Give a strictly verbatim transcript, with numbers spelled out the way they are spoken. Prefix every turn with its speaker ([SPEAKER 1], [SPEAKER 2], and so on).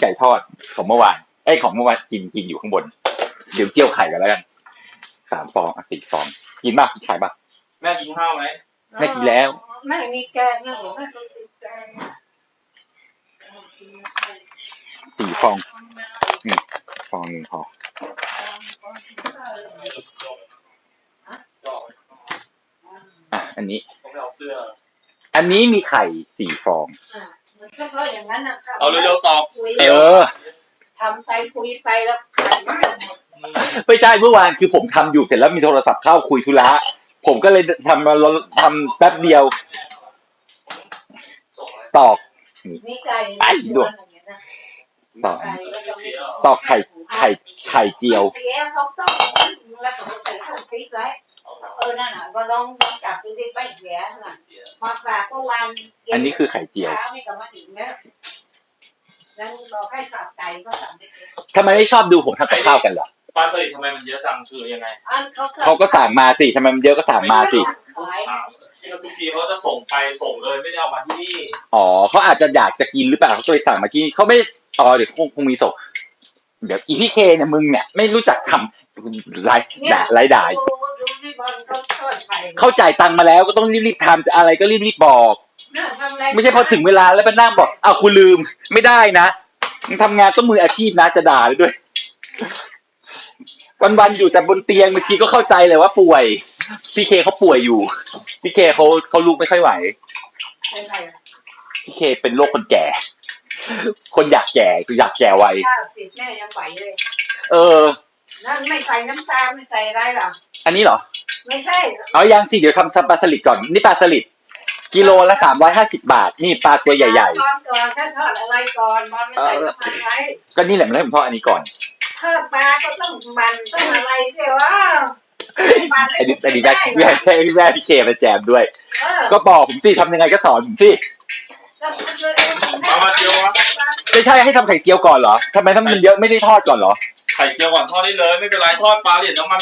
[SPEAKER 1] ไก่ทอดของเมื่อวานไอ้ของเมื่อวานกินกินอยู่ข้างบนเดี๋ยวเจียวไข่กันแล้วกันสามฟองสี่ฟองกินมากกินไข่ปะ
[SPEAKER 2] แม่กินข้าวไหม
[SPEAKER 1] ไม่กินแล้ว
[SPEAKER 3] ไม่มีแกงนะหนูไม่ต้องกินแกง
[SPEAKER 1] สี่ฟองนี่ฟองหนึ่งพออ่ะอันนี้อันนี้มีไข่สี่ฟอง
[SPEAKER 2] เอาเร็วๆตอบ
[SPEAKER 1] เออ
[SPEAKER 3] ทำไปคุยไปแล้วไข่ไม่หมด
[SPEAKER 1] ไม่ใช่เมื่อวานคือผมทำอยู่เสร็จแล้วมีโทรศัพท์เข้าคุยธุระผมก็เลยทำมาทำแป๊บเดียวตอกไอ้ดวงตอกตอกไข่ไข่ไข่เจียว
[SPEAKER 3] เออนั่นน่ะก็ลองจับดูดิไปเสียน่ะมาฝากเมื่อวาน
[SPEAKER 1] อันนี้คือไข่เจียว
[SPEAKER 3] แล้วบอกให้สับไก่ก็สับไม่เก็บ
[SPEAKER 1] ทำไมไม่ชอบดูผมทำกับข้าวกันเหรอ
[SPEAKER 2] ปลาสลิดทำไมมันเยอะจังคือยังไง
[SPEAKER 1] เขาก็สั่งมาสิทำไมมันเยอะก็สั่งมาสิ
[SPEAKER 2] ทุกทีเขาจะส่งไปส่งเลยไม่ได้เอามาที่นี่
[SPEAKER 1] อ๋อเขาอาจจะอยากจะกินหรือเปล่าเขาก็เลยสั่งมาที่นี่เขาไม่อ๋อเดี๋ยวคงคงมีส่งเดี๋ยวอีพี่เคเนี่ยมึงเนี่ยไม่รู้จักทำไรด่าไรด่าเข้าจ่ายตังค์มาแล้วก็ต้องรีบๆทำจะอะไรก็รีบๆบอกไม่ใช่พอถึงเวลาแล้วไปนั่งบอกอ้าวกูลืมไม่ได้นะมึงทำงานต้องมืออาชีพนะจะด่าเลยด้วยวันๆอยู่แต่บนเตียงเมื่อกี้ก็เข้าใจเลยว่าป่วยพี่เคเขาป่วยอยู่พี่เคเขาเขาลุกไม่ค่อยไหวพี่เคเป็นโรคคนแก่คนอยากแก่คืออยากแก่ไว
[SPEAKER 3] แม่ยังไหวเลย
[SPEAKER 1] เออ
[SPEAKER 3] นั่นไม่ใส่น้ำตาลไม่ใส่อะไรหรอ
[SPEAKER 1] อันนี้เหรอ
[SPEAKER 3] ไม่ใช่
[SPEAKER 1] เอายังสิเดี๋ยวทำทำปลาสลิดก่อนนี่ปลาสลิดกิโลละสามร้อยห้าสิบบาทนี่ปลาตัวใหญ่
[SPEAKER 3] ๆตอนก่อนถ้าทอดอะไรก่อนบอลไม่ใส่น้ำมันไว้
[SPEAKER 1] ก็นี่แหละมันให้ผมทอดอันนี้ก่อน
[SPEAKER 3] ทอดปลาก็ต้องมันต้องอะไรเสียวะ
[SPEAKER 1] อันนี้อันนี้แม่แม่แม่แม่พี่เคมาแจมด้วยก็บอกผมสิทำยังไงก็สอนผมสิไม่ใช่ให้ทำไข่เจียวก่อนเหรอทำไมทำมันเยอะไม่ได้ทอดก่อนเหรอ
[SPEAKER 2] ไข่เจียวก่อนทอดได้เลยไม่เป็นไรทอดปลาเหรียญน้ำมัน